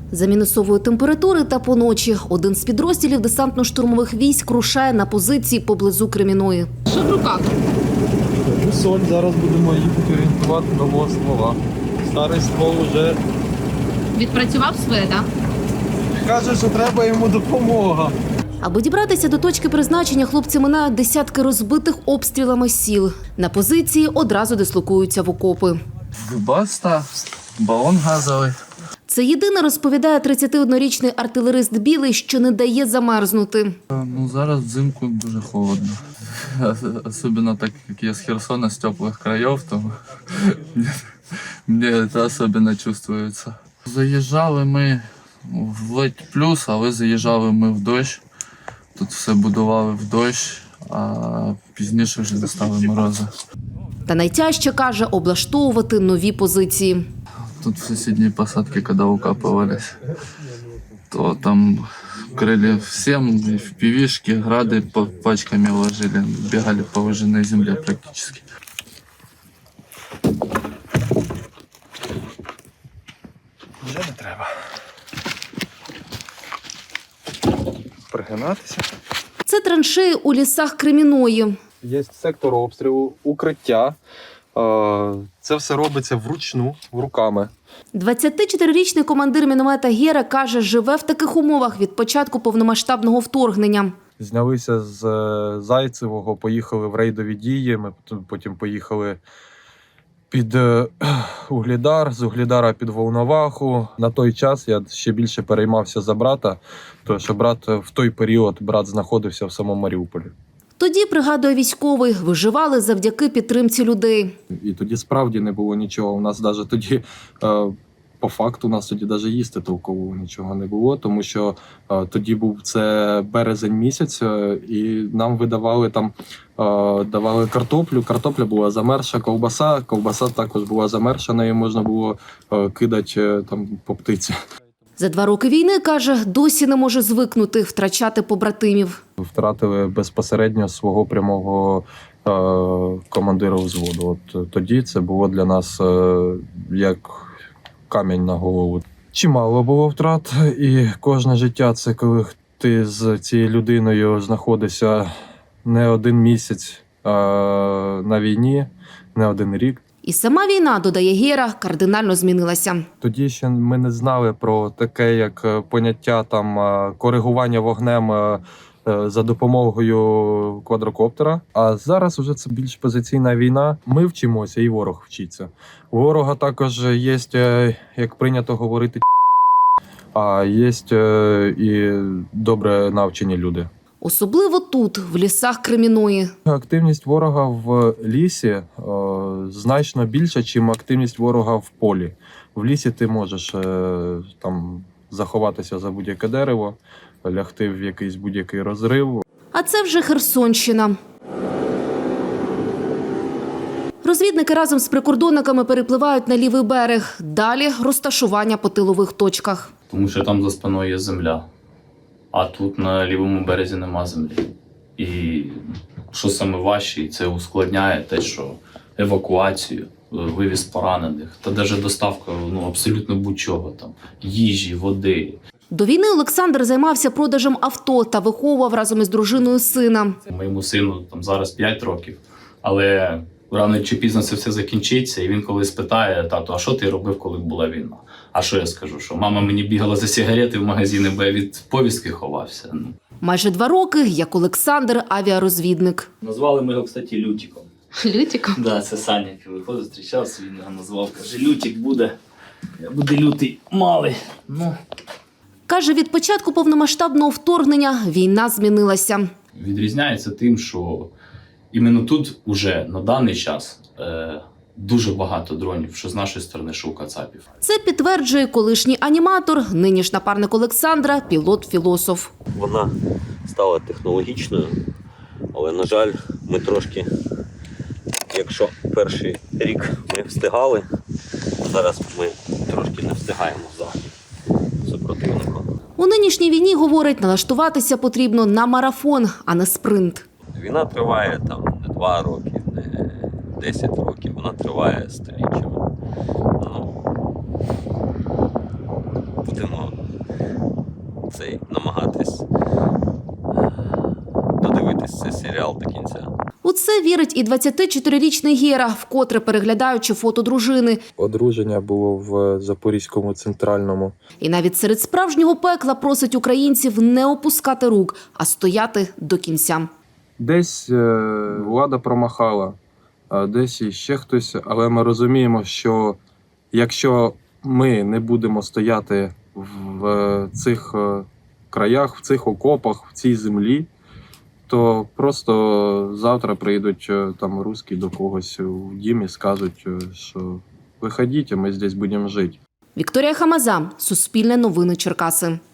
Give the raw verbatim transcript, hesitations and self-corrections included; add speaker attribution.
Speaker 1: За мінусової температури та поночі один з підрозділів десантно-штурмових військ рушає на позиції поблизу Кремінної.
Speaker 2: Що в руках?
Speaker 3: Соль, зараз будемо їхати орієнтувати нового ствола. Старий ствол вже
Speaker 2: Відпрацював своє, так?
Speaker 3: каже, що треба йому допомога.
Speaker 1: Аби дібратися до точки призначення, хлопці минають десятки розбитих обстрілами сіл. На позиції одразу дислокуються в окопи.
Speaker 4: Баста, балон газовий.
Speaker 1: Це єдине, розповідає тридцятиоднорічний артилерист Білий, що не дає замерзнути.
Speaker 4: Ну, зараз взимку дуже холодно. Особливо так, як я з Херсона, з теплих країв, то мені це особливо чувствується. Заїжджали ми в ледь плюс, але заїжджали ми в дощ. Тут все будували в дощ, а пізніше вже достали морози.
Speaker 1: Та найтяжче, каже, облаштовувати нові позиції.
Speaker 4: Тут в соседней посадке, когда укапывались, то там крыли всем, и в пивишки, грады по пачками ложили, бегали по выжженной земле практически.
Speaker 3: Вже не треба. Пригинатися.
Speaker 1: Це траншеї у лісах Креміної.
Speaker 3: Є сектор обстрілу, укриття. Це все робиться вручну, руками.
Speaker 1: двадцятичотирирічний командир міномета Гера каже, живе в таких умовах від початку повномасштабного вторгнення.
Speaker 3: Знялися з Зайцевого, поїхали в рейдові дії, ми потім поїхали під Угледар, з Угледара під Волноваху. На той час я ще більше переймався за брата, тому що брат в той період брат знаходився в самому Маріуполі.
Speaker 1: Тоді, пригадує військовий, виживали завдяки підтримці людей.
Speaker 3: І тоді справді не було нічого. У нас навіть тоді, по факту, у нас тоді навіть їсти толкового нічого не було, тому що тоді був це березень місяць, і нам видавали там, давали картоплю. Картопля була замерша, ковбаса, ковбаса також була замерша, нею можна було кидати там по птиці.
Speaker 1: За два роки війни, каже, досі не може звикнути втрачати побратимів.
Speaker 3: Втратили безпосередньо свого прямого е, командира взводу. От тоді це було для нас е, як камінь на голову. Чимало було втрат, і кожне життя – це коли ти з цією людиною знаходишся не один місяць е, на війні, не один рік.
Speaker 1: І сама війна, додає Гера, кардинально змінилася.
Speaker 3: Тоді ще ми не знали про таке, як поняття там коригування вогнем за допомогою квадрокоптера. А зараз вже це більш позиційна війна. Ми вчимося, і ворог вчиться. У ворога також є, як прийнято говорити, а є і добре навчені люди.
Speaker 1: Особливо тут, в лісах Креміної.
Speaker 3: Активність ворога в лісі о, значно більша, ніж активність ворога в полі. В лісі ти можеш е, там заховатися за будь-яке дерево, лягти в якийсь будь-який розрив.
Speaker 1: А це вже Херсонщина. Розвідники разом з прикордонниками перепливають на лівий берег. Далі розташування по тилових точках.
Speaker 5: Тому що там за спиною є земля. А тут на лівому березі нема землі. І що саме важче, це ускладняє те, що евакуацію, вивіз поранених, та навіть доставка ну, абсолютно будь-чого, там, їжі, води.
Speaker 1: До війни Олександр займався продажем авто та виховував разом із дружиною сина.
Speaker 5: Моєму сину там, зараз п'ять років, але рано чи пізно це все закінчиться, і він коли спитає: тату, а що ти робив, коли була війна? А що я скажу? Що мама мені бігала за сигарети в магазини, бо я від повістки ховався. Ну.
Speaker 1: Майже два роки, як Олександр – авіарозвідник.
Speaker 5: Назвали ми його, кстати, Лютиком.
Speaker 2: Лютиком?
Speaker 5: Да, це Саня, який виходив, зустрічався, він його назвав. Каже, Лютик буде, буде лютий малий. Ну.
Speaker 1: Каже, від початку повномасштабного вторгнення війна змінилася.
Speaker 5: Відрізняється тим, що іменно тут уже на даний час е, дуже багато дронів, що з нашої сторони, що у кацапів.
Speaker 1: Це підтверджує колишній аніматор, нині ж напарник Олександра, пілот-філософ.
Speaker 6: Вона стала технологічною, але, на жаль, ми трошки, якщо перший рік ми встигали, зараз ми трошки не встигаємо за супротивником.
Speaker 1: У нинішній війні, говорить, налаштуватися потрібно на марафон, а не спринт.
Speaker 6: Війна триває там не два роки, не десять років, вона триває століттями. Ну, будемо фінал до кінця.
Speaker 1: У це вірить і двадцятичотирирічний Гера, вкотре переглядаючи фото дружини.
Speaker 3: Одруження було в Запорізькому центральному.
Speaker 1: І навіть серед справжнього пекла просить українців не опускати рук, а стояти до кінця.
Speaker 3: Десь е, влада промахала, а десь іще хтось, але ми розуміємо, що якщо ми не будемо стояти в цих е, краях, в цих окопах, в цій землі, то просто завтра прийдуть е, там русські до когось в дім і скажуть, е, що виходіть, а ми здесь будемо жити.
Speaker 1: Вікторія Хамаза, Суспільне новини Черкаси.